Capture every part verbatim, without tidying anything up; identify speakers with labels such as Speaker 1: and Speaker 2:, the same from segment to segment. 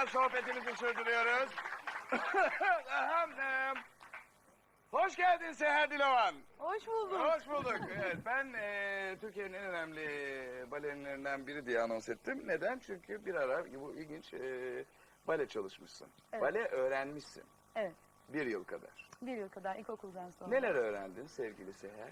Speaker 1: hala sohbetimizi sürdürüyoruz. Ahem, em, Hoş geldin Seher Dilovan.
Speaker 2: Hoş bulduk.
Speaker 1: Hoş bulduk. Evet, ben e, Türkiye'nin en önemli balerinlerinden biri diye anons ettim. Neden? Çünkü bir ara bu ilginç e, bale çalışmışsın.
Speaker 2: Evet.
Speaker 1: Bale öğrenmişsin.
Speaker 2: Evet.
Speaker 1: Bir yıl kadar.
Speaker 2: Bir yıl kadar ilkokuldan sonra.
Speaker 1: Neler öğrendin sevgili Seher?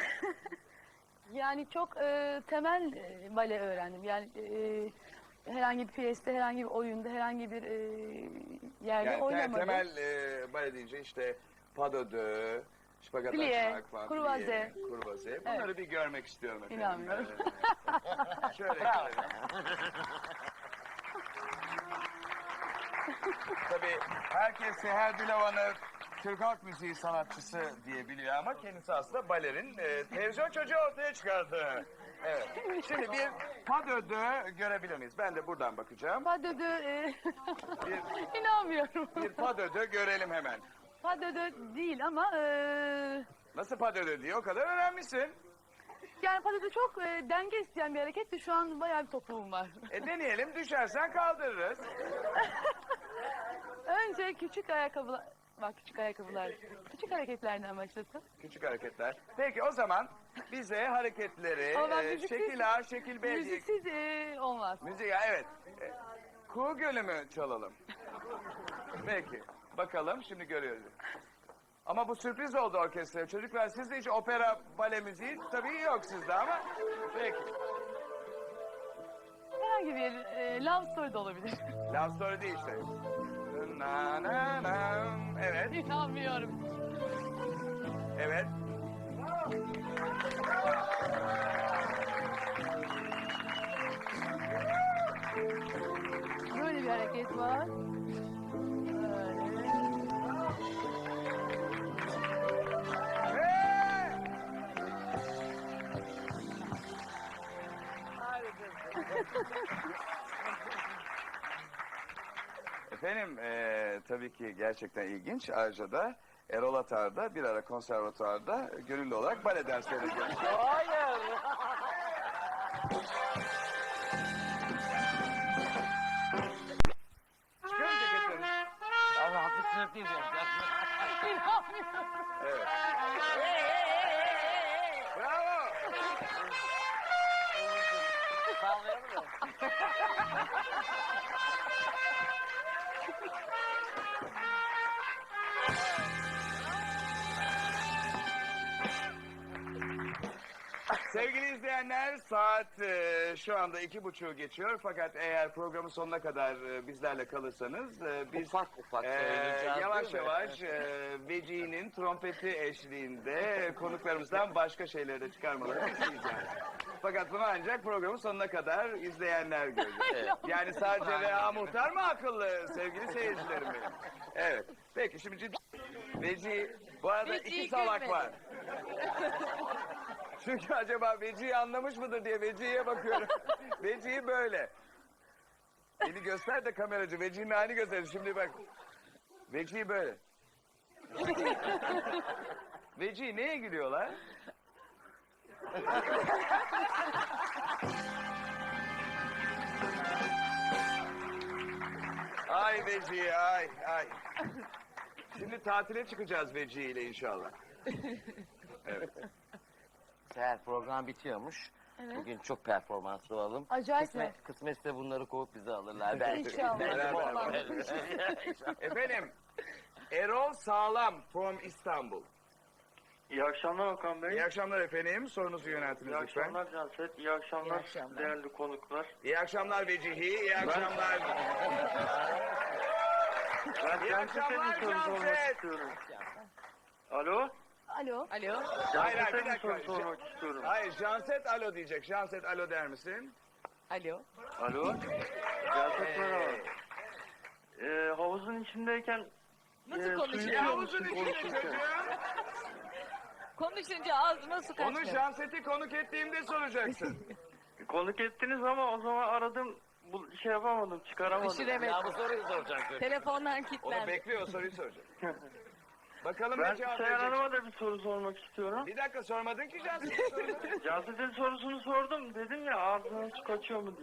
Speaker 2: Yani çok e, temel e, bale öğrendim. Yani e, herhangi bir piyeste, herhangi bir oyunda, herhangi bir e, yerde
Speaker 1: Yani te-
Speaker 2: oynamadım.
Speaker 1: temel e, bale deyince işte pas de deux, şpagat
Speaker 2: Plie,
Speaker 1: açmak falan.
Speaker 2: kurvaze.
Speaker 1: plie, kurvaze. Bunları
Speaker 2: Evet.
Speaker 1: bir görmek istiyorum efendim.
Speaker 2: İnanmıyorum.
Speaker 1: Ee, şöyle görelim. Tabii herkes Seher Dilovan'ı Türk halk müziği sanatçısı diye biliyor ama kendisi aslında balerin e, televizyon çocuğu ortaya çıkardı. Evet. Şimdi bir pas de deux görebilir miyiz? Ben de buradan bakacağım.
Speaker 2: Pas de deux, e,
Speaker 1: Bir,
Speaker 2: inanmıyorum.
Speaker 1: bir pas de deux görelim hemen.
Speaker 2: Pas de deux değil ama e,
Speaker 1: Nasıl pas de deux diye o kadar öğrenmişsin.
Speaker 2: yani pas de deux çok e, denge isteyen bir hareketti. Şu an bayağı bir topuğum var.
Speaker 1: E deneyelim, düşersen kaldırırız.
Speaker 2: Önce küçük ayakkabılar, bak küçük ayakkabılar, küçük hareketlerden başlasın.
Speaker 1: Küçük hareketler. Peki o zaman bize hareketleri
Speaker 2: Ama ben
Speaker 1: e,
Speaker 2: müziksiz-
Speaker 1: şekil A, şekil B diye...
Speaker 2: Müziksiz e, olmaz.
Speaker 1: Müzik, ya evet. E, Kuğu Gölü mü çalalım? Peki. Bakalım şimdi görüyoruz. Ama bu sürpriz oldu orkestraya. Çocuklar sizde hiç opera, bale müziği tabii yok sizde ama. Peki.
Speaker 2: Herhangi bir e, love story da olabilir.
Speaker 1: Love story değil işte. Na, na, na. Evet,
Speaker 2: İnanmıyorum.
Speaker 1: evet.
Speaker 2: Böyle bir hareket var. Böyle.
Speaker 1: Hey! Efendim eee, tabii ki gerçekten ilginç. Ayrıca da Erol Atar da bir ara konservatuarda gönüllü olarak bale dersleri görmüş.
Speaker 3: Hayır.
Speaker 1: Çıkarın ceketlerini.
Speaker 3: Abi hafif sınıf
Speaker 2: İnanmıyorum.
Speaker 1: Evet. Bravo.
Speaker 3: Sallayalım mı?
Speaker 1: Sevgili izleyenler, saat e, şu anda iki buçuğu geçiyor. Fakat eğer programın sonuna kadar e, bizlerle kalırsanız e, biz
Speaker 3: Ufak ufak
Speaker 1: e,
Speaker 3: söyleyeceğiz,
Speaker 1: yavaş
Speaker 3: değil mi?
Speaker 1: yavaş e, Veci'nin trompeti eşliğinde konuklarımızdan başka şeyleri de çıkarmalarını isteyeceğiz. Fakat bunu ancak programın sonuna kadar izleyenler görecek. Yani sadece Reha Muhtar mı akıllı sevgili seyircilerim benim? Evet. Peki şimdi ciddi. Veci, bu arada
Speaker 2: Veci'yi
Speaker 1: iki salak
Speaker 2: görmedim.
Speaker 1: var. Çünkü acaba Veci'yi anlamış mıdır diye Veci'ye bakıyorum. Veci'yi böyle. Beni göster de kameracı. Veci'nin halini göster. Şimdi bak. Veci'yi böyle. Veci neye gülüyorlar? Ay Veci ay ay. Şimdi tatile çıkacağız Veci ile inşallah. Evet.
Speaker 3: Seher program bitiyormuş.
Speaker 2: Evet.
Speaker 3: Bugün çok performanslı olalım.
Speaker 2: Acayip
Speaker 3: Kısmet, kısmetse bunları kovup bizi alırlar belki.
Speaker 2: İnşallah.
Speaker 1: Beraber. Efendim, Erol Sağlam from İstanbul.
Speaker 4: İyi akşamlar Okan Bey.
Speaker 1: İyi akşamlar efendim. Sorunuzu yöneltiniz
Speaker 4: İyi
Speaker 1: lütfen.
Speaker 4: akşamlar Canset. İyi akşamlar,
Speaker 2: İyi akşamlar.
Speaker 4: değerli konuklar.
Speaker 1: İyi akşamlar Vecihi. İyi akşamlar.
Speaker 4: Ben
Speaker 1: İyi
Speaker 4: Canset'e
Speaker 1: akşamlar
Speaker 4: bir soru sormak
Speaker 1: Canset.
Speaker 4: istiyorum. Alo?
Speaker 2: Alo. Alo.
Speaker 1: Hayır hayır
Speaker 4: Canset'e
Speaker 1: bir
Speaker 4: bir
Speaker 1: dakika.
Speaker 4: soru sormak istiyorum.
Speaker 1: Hayır Janset alo diyecek. Janset alo der misin?
Speaker 2: Alo.
Speaker 4: Alo? Canset merhaba. Ee, havuzun içindeyken
Speaker 2: Nasıl
Speaker 4: e,
Speaker 2: konuşuyor?
Speaker 4: suyu
Speaker 1: Ya
Speaker 4: içiyor
Speaker 1: havuzun
Speaker 4: musun
Speaker 1: içinde
Speaker 4: konuşurken?
Speaker 1: çocuğum.
Speaker 2: Konuşunca ağzıma su
Speaker 1: Onu
Speaker 2: kaçmıyor.
Speaker 1: Janset'i konuk ettiğimde soracaksın.
Speaker 4: Konuk ettiniz ama o zaman aradım. Bu şey yapamadım, çıkaramadım.
Speaker 2: Düşüremedim.
Speaker 3: Ya bu soruyu soracak.
Speaker 2: Telefonlar
Speaker 1: Onu
Speaker 2: kilitlendi.
Speaker 1: bekliyor o soruyu soracak. Bakalım
Speaker 4: Ben
Speaker 1: ne cevap
Speaker 4: Seher
Speaker 1: verecek.
Speaker 4: Hanım'a da bir soru sormak istiyorum.
Speaker 1: Bir dakika sormadın ki Janset'in sorunu.
Speaker 4: Canset'in sorusunu sordum. Dedim ya ağzına su kaçıyor mu diye.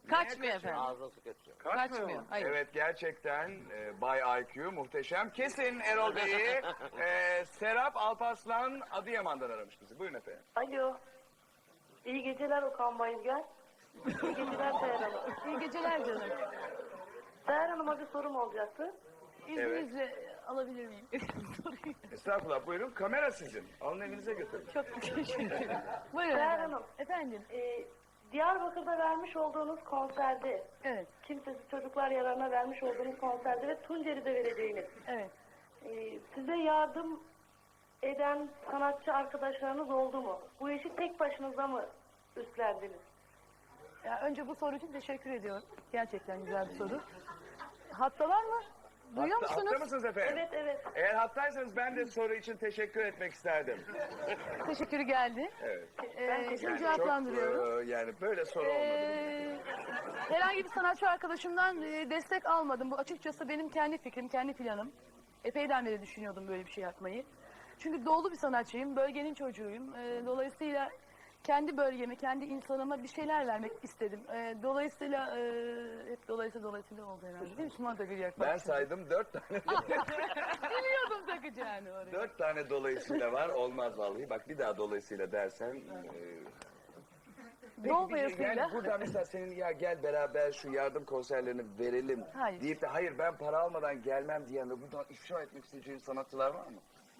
Speaker 5: Kaçmıyor efendim.
Speaker 3: Ağzına su kaçıyor.
Speaker 5: Kaçmıyor. Hayır.
Speaker 1: Evet gerçekten e, Bay I Q muhteşem. Kesin Erol Bey'i e, Serap Alparslan Adıyaman'dan aramış bizi. Buyurun efendim.
Speaker 6: Alo. İyi geceler Okan Bayülgen. İyi geceler Seher Hanım.
Speaker 2: İyi geceler canım.
Speaker 6: Seher Hanım'a bir sorum olacaktı.
Speaker 2: İzninizle alabilir miyim? Soruyu.
Speaker 1: Estağfurullah buyurun. Kamera sizin. Alın evinize götürün.
Speaker 2: Çok teşekkür ederim. Buyurun
Speaker 6: Seher
Speaker 2: efendim.
Speaker 6: Hanım.
Speaker 2: Efendim.
Speaker 6: Ee, Diyarbakır'da vermiş olduğunuz konserde,
Speaker 2: Evet.
Speaker 6: Kimsesiz Çocuklar Yararına vermiş olduğunuz konserde ve Tunceli'de vereceğiniz,
Speaker 2: Evet.
Speaker 6: ee, size yardım eden sanatçı arkadaşlarınız oldu mu? Bu işi tek başınıza mı üstlendiniz?
Speaker 2: Ya önce bu soru için teşekkür ediyorum. Gerçekten güzel bir soru. Hattalar mı? Duyuyor
Speaker 1: Hatta,
Speaker 2: musunuz?
Speaker 1: hatta mısınız efendim?
Speaker 6: Evet, evet.
Speaker 1: Eğer hattaysanız ben de soru için teşekkür etmek isterdim.
Speaker 2: Teşekkürü geldi.
Speaker 1: Evet.
Speaker 2: Ee, şimdi
Speaker 1: Yani
Speaker 2: cevaplandırıyorum.
Speaker 1: çok, e, yani böyle soru olmadı.
Speaker 2: Ee, herhangi bir sanatçı arkadaşımdan e, destek almadım. Bu açıkçası benim kendi fikrim, kendi planım. Epeyden beri düşünüyordum böyle bir şey yapmayı. Çünkü doğulu bir sanatçıyım, bölgenin çocuğuyum. Ee, dolayısıyla kendi bölgeme, kendi insanıma bir şeyler vermek istedim. Ee, dolayısıyla, e, hep dolayısıyla dolayısıyla oldu herhalde değil mi? Şuna da gülüyor.
Speaker 1: Ben saydım dört tane.
Speaker 2: Biliyordum takacağını oraya.
Speaker 1: Dört tane dolayısıyla var. Olmaz vallahi. Bak bir daha dolayısıyla dersen. E, Peki,
Speaker 2: Dolayısıyla.
Speaker 1: yani buradan mesela senin ya gel beraber şu yardım konserlerini verelim
Speaker 2: Hayır.
Speaker 1: deyip de hayır ben para almadan gelmem diyen ve buradan ifşa etmek isteyeceğin sanatçılar var mı?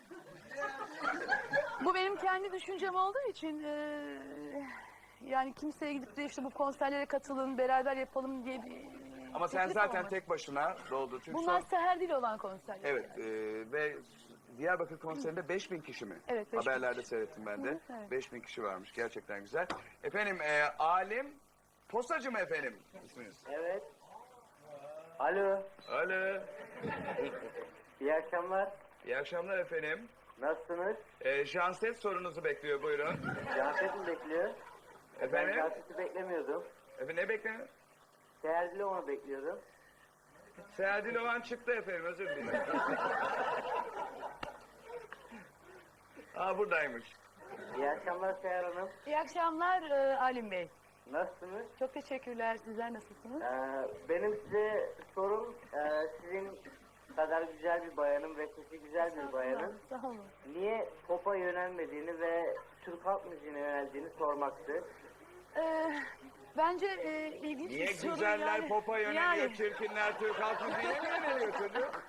Speaker 2: Bu benim kendi düşüncem olduğu için e, yani kimseye gidip de işte bu konserlere katılın, beraber yapalım diye bir
Speaker 1: Ama sen
Speaker 2: teklif
Speaker 1: zaten
Speaker 2: olmadı.
Speaker 1: tek başına doldu. Çünkü
Speaker 2: Bunlar
Speaker 1: son-
Speaker 2: seher değil olan konserler.
Speaker 1: Evet e, ve Diyarbakır konserinde beş bin kişi mi?
Speaker 2: Evet, beş bin
Speaker 1: Haberlerde
Speaker 2: kişi.
Speaker 1: seyrettim ben de.
Speaker 2: Hı, evet.
Speaker 1: beş bin kişi varmış. Gerçekten güzel. Efendim e, Alim Posacı mı efendim isminiz?
Speaker 7: Evet. Alo.
Speaker 1: Alo.
Speaker 7: İyi akşamlar.
Speaker 1: İyi akşamlar efendim.
Speaker 7: Nasılsınız?
Speaker 1: E, Janset sorunuzu bekliyor buyurun.
Speaker 7: Canset mi bekliyor? Ben
Speaker 1: Efendim?
Speaker 7: Canset'i beklemiyordum.
Speaker 1: Efendim ne bekleniyor?
Speaker 7: Seher onu bekliyordum.
Speaker 1: Seher Dilovan çıktı efendim özür dilerim. Aa buradaymış.
Speaker 7: İyi akşamlar Seher Hanım.
Speaker 2: İyi akşamlar e, Alim Bey.
Speaker 7: Nasılsınız?
Speaker 2: Çok teşekkürler. Sizler nasılsınız?
Speaker 7: Ee, benim size sorum, e, sizin kadar güzel bir bayanın ve sesi güzel bir bayanın
Speaker 2: Sağ olun.
Speaker 7: niye pop'a yönelmediğini ve Türk halk müziğine yöneldiğini sormaktı.
Speaker 2: Ee, bence e, ilginç
Speaker 1: Niye
Speaker 2: bir soru
Speaker 1: güzeller
Speaker 2: yani.
Speaker 1: popa yöneliyor,
Speaker 2: Yani,
Speaker 1: çirkinler Türk halk müziğine mi yöneliyor çocuk?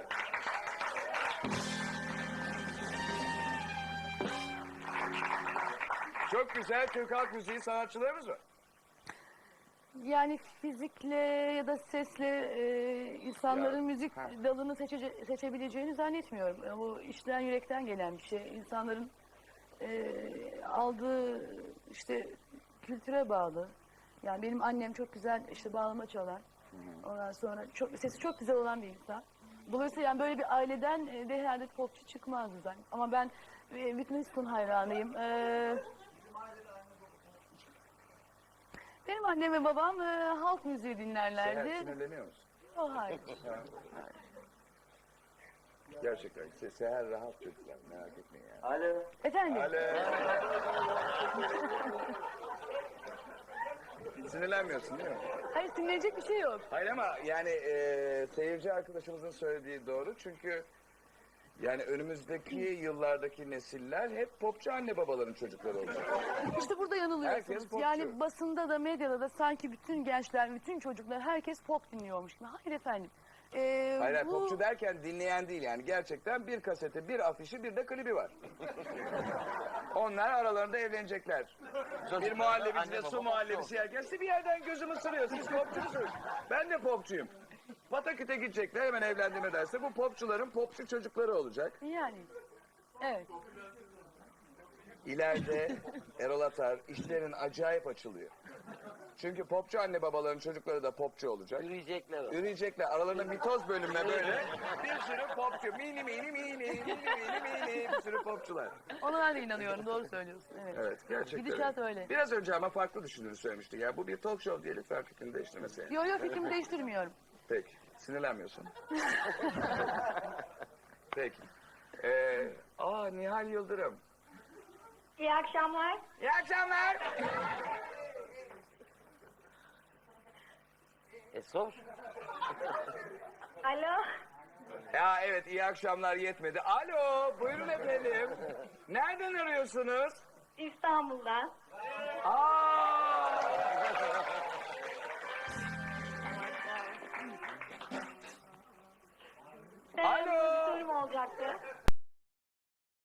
Speaker 1: Çok güzel Türk halk müziği sanatçılarımız var.
Speaker 2: yani fizikle ya da sesle e, insanların
Speaker 1: Ya,
Speaker 2: müzik
Speaker 1: ha.
Speaker 2: dalını seçece- seçebileceğini zannetmiyorum. E, Bu işten yürekten gelen bir şey. İnsanların e, aldığı işte kültüre bağlı. Yani benim annem çok güzel işte bağlama çalan. Ondan sonra çok sesi çok güzel olan bir insan. Dolayısıyla yani böyle bir aileden e, de herhalde popçu çıkmazdı zaten. Ama ben e, Whitney Houston hayranıyım. E, benim annem ve babam e, halk müziği
Speaker 1: Seher
Speaker 2: dinlerlerdi.
Speaker 1: sinirleniyor musun?
Speaker 2: O hayır.
Speaker 1: Gerçekten Se Seher rahat çocuklar merak etmeyin yani.
Speaker 7: Alo.
Speaker 2: Efendim?
Speaker 1: Alo. Sinirlenmiyorsun değil mi?
Speaker 2: Hayır sinirlenecek bir şey yok.
Speaker 1: Hayır ama yani e, seyirci arkadaşımızın söylediği doğru çünkü yani önümüzdeki yıllardaki nesiller hep popçu anne babaların çocukları olacak.
Speaker 2: İşte burada
Speaker 1: Herkes
Speaker 2: yanılıyorsunuz.
Speaker 1: popçu.
Speaker 2: Yani basında da medyada da sanki bütün gençler, bütün çocuklar herkes pop dinliyormuş gibi. Hayır efendim. Ee,
Speaker 1: Hayır, hayır
Speaker 2: bu...
Speaker 1: popçu derken dinleyen değil yani gerçekten bir kaseti, bir afişi, bir de klibi var. Onlar aralarında evlenecekler. Bir muhallebiciyle
Speaker 3: Anne,
Speaker 1: su
Speaker 3: baba,
Speaker 1: muhallebisi yerken siz bir yerden gözüm ısırıyor. Siz popçu musunuz? Ben de popçuyum. Pataküte gidecekler hemen evlendim ederse bu popçuların popçu çocukları olacak.
Speaker 2: Yani. Evet.
Speaker 1: İleride Erol Atar işlerin acayip açılıyor. Çünkü popçu anne babaların çocukları da popçu olacak.
Speaker 3: Yürüyecekler o.
Speaker 1: Üreyecekler. Aralarında mitoz bölümüne böyle bir sürü popçu. Mini mini mini mini mini mini bir sürü popçular.
Speaker 2: Ona ben de inanıyorum. Doğru söylüyorsun. Evet.
Speaker 1: Evet gerçekten.
Speaker 2: Gidişat öyle.
Speaker 1: Biraz önce ama farklı düşündüğünü söylemiştik. Ya bu bir talk show diye lütfen fikrini değiştirmeseydin.
Speaker 2: Yo yo fikrimi değiştirmiyorum.
Speaker 1: Peki. Sinirlenmiyorsun. Peki. Ee, aa Nihal Yıldırım.
Speaker 6: İyi akşamlar.
Speaker 1: İyi akşamlar.
Speaker 3: E sor.
Speaker 6: Alo.
Speaker 1: Ya evet, iyi akşamlar yetmedi. Alo, buyurun efendim. Nereden arıyorsunuz?
Speaker 6: İstanbul'dan.
Speaker 1: Aa!
Speaker 6: Benim
Speaker 1: Alo.
Speaker 6: bir sorum olacaktı.